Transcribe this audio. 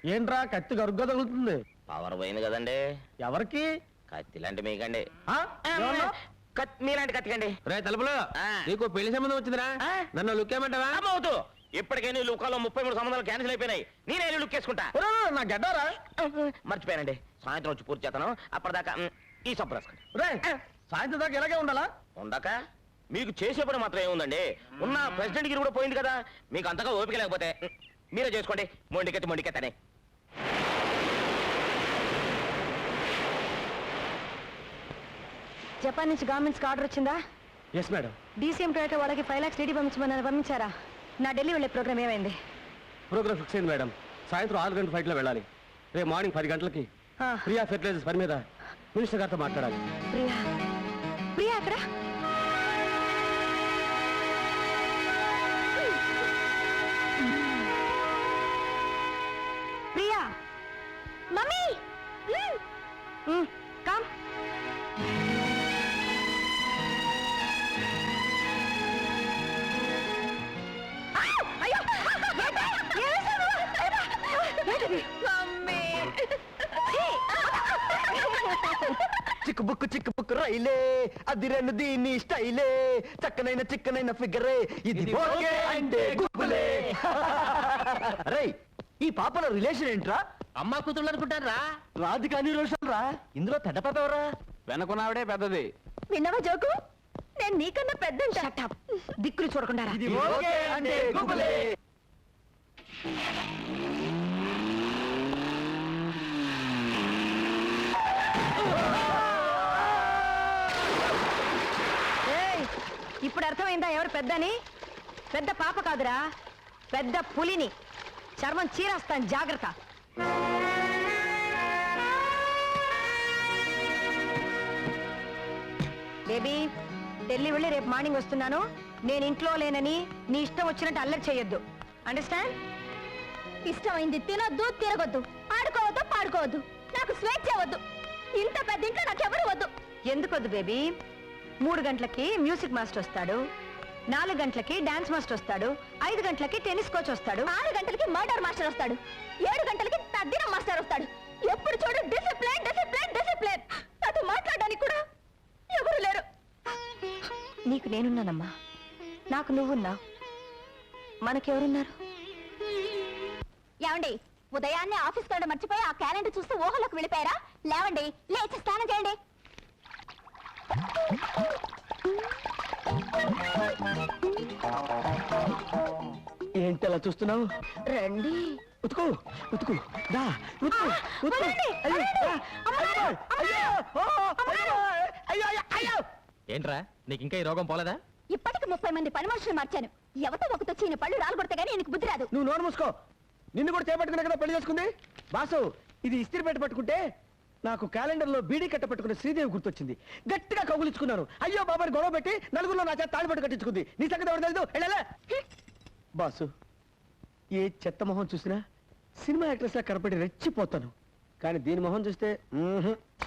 ఏంట్రా కత్తి గరుగ్గా తగులుతుంది? పవర్ పోయింది కదండి. ఎవరికి? కత్తి లాంటి మీకండి. మీలాంటి కత్తికండి. రే తలుపులో నీకు పెళ్లి సంబంధం వచ్చిందిరా, నన్ను లుక్ ఏమంటావా? అవుతూ ఇప్పటికే నీ లుకాలో 33 సంబంధాలు క్యాన్సిల్ అయిపోయినాయి. నేనే లుక్ వేసుకుంటా. నా గడ్డారా మర్చిపోయానండి, సాయంత్రం వచ్చి పూర్తి చేస్తాను. అప్పటిదాకా ఈ సబ్బు రాసుకోండి. రే సాయంత్రం దాకా ఇలాగే ఉండాలా? ఉందాక మీకు చేసే పని మాత్రం ఏముందండి, ఉన్న ప్రెసిడెంట్ గిరి కూడా పోయింది కదా. మీకు అంతగా ఓపిక లేకపోతే మీరే చేసుకోండి. మొండికెత్తని జపాన్ నుంచి గవర్నమెంట్స్ ఆర్డర్ వచ్చిందా? Yes madam. డీసీఎం టొయోటో వాళ్ళకి 5 lakhs డీడీ పంపించారా? నా ఢిల్లీ వెళ్ళే ప్రోగ్రామ్ ఏమైంది? ప్రోగ్రామ్ ఫిక్స్ అయింది మేడం. సాయంత్రం 6 గంటల ఫ్లైట్లో వెళ్ళాలి. రేపు మార్నింగ్ 10 గంటలకి ప్రియా ఫెర్టిలైజర్స్ పని మీద మినిస్టర్ గారితో మాట్లాడాలి. ప్రియా ప్రియా అక్కడ ప్రియా మమ్మీ కమ్. చిక్కు బుక్కు రైలే అది రెండు దీన్ని స్టైలే, చిక్కనైన ఫిగరే ఇది అంటే గుబ్బులే. రే ఈ పాపల రిలేషన్ ఏంట్రా? అమ్మా కూతుళ్ళు అనుకుంటారా? రాధికాని రోషన్ రా. ఇందులో పెద్ద పాప ఎవరా? వెనకున్నావిడే పెద్దది. విన్నావా జోకు? నేను నీకన్నా పెద్ద. దిక్కులు చూడకుండా ఇది ఓకే అంటే గుబ్బులే. ఇప్పుడు అర్థమైందా ఎవరు పెద్దని? పెద్ద పాప కాదురా, పెద్ద పులిని. చర్మం చీరేస్తాను, జాగ్రత్త. బేబీ ఢిల్లీ వెళ్ళి రేపు మార్నింగ్ వస్తున్నాను. నేను ఇంట్లో లేనని నీ ఇష్టం వచ్చినట్టు అల్లరి చేయొద్దు. అండర్స్టాండ్? ఇష్టమైంది తినొద్దు, తిరగొద్దు, ఆడుకోవద్దు, పాడుకోవద్దు. నాకు స్వేచ్ఛ వద్దు. ఇంత పెద్ద ఇంట్లో నాకెవరు వద్దు. ఎందుకొద్దు బేబీ? 3 గంటలకి మ్యూజిక్ మాస్టర్ వస్తాడు, 4 గంటలకి డాన్స్ మాస్టర్ వస్తాడు, 5 గంటలకి టెన్నిస్ కోచ్ వస్తాడు, 6 గంటలకి మర్డర్ మాస్టర్ వస్తాడు, 7 గంటలకి తద్దినం మాస్టర్ వస్తాడు. ఎప్పుడు చూడు డిసిప్లిన్ డిసిప్లిన్ డిసిప్లిన్. నాతో మాట్లాడడానికి కూడా ఎవరు లేరు. నీకు నేనున్నానమ్మా, నాకు నువ్వున్నావు, మనకెవరున్నారు? ఏమండి, ఉదయాన్నే ఆఫీస్ కాడ మర్చిపోయి ఆ క్యాలెండర్ చూస్తే ఊహలోకి వెళ్ళిపోయారా? లేవండి, లేచి స్నానం చేయండి. ఏంటి అలా చూస్తున్నావు? రండి, ఉతుకు ఉతుకు దా ఉతుకు ఉతుకు. ఏంట్రా నీకు ఇంకా ఈ రోగం పోలేదా? ఇప్పటికి 30 మంది పని మనుషులు మార్చాను. ఎవతో ఒకటి వచ్చి పళ్ళు రాలగొడితే గానీ నీకు బుద్ధి రాదు. నువ్వు నోరు మూసుకో. నిన్ను కూడా చేపట్టుకునే కదా పెళ్లి చేసుకుంది. బాసు, ఇది ఇస్త్రీ పెట్టి పట్టుకుంటే నాకు క్యాలెండర్ లో బీడీ కట్ట పట్టుకున్న శ్రీదేవి గుర్తొచ్చింది. గట్టిగా కౌగులించుకున్నాను. అయ్యో బాబాని గొడవ పెట్టి నలుగురిలో నా చేత తాడిపట్టు కట్టించుకుంది. నీ సంగతి ఎవరు తెలీదు? వెళ్ళలే. బాసు, ఏ చెత్త మొహం చూసినా సినిమా యాక్ట్రెస్ లా కనపడి రెచ్చిపోతాను. కానీ దీని మొహం చూస్తే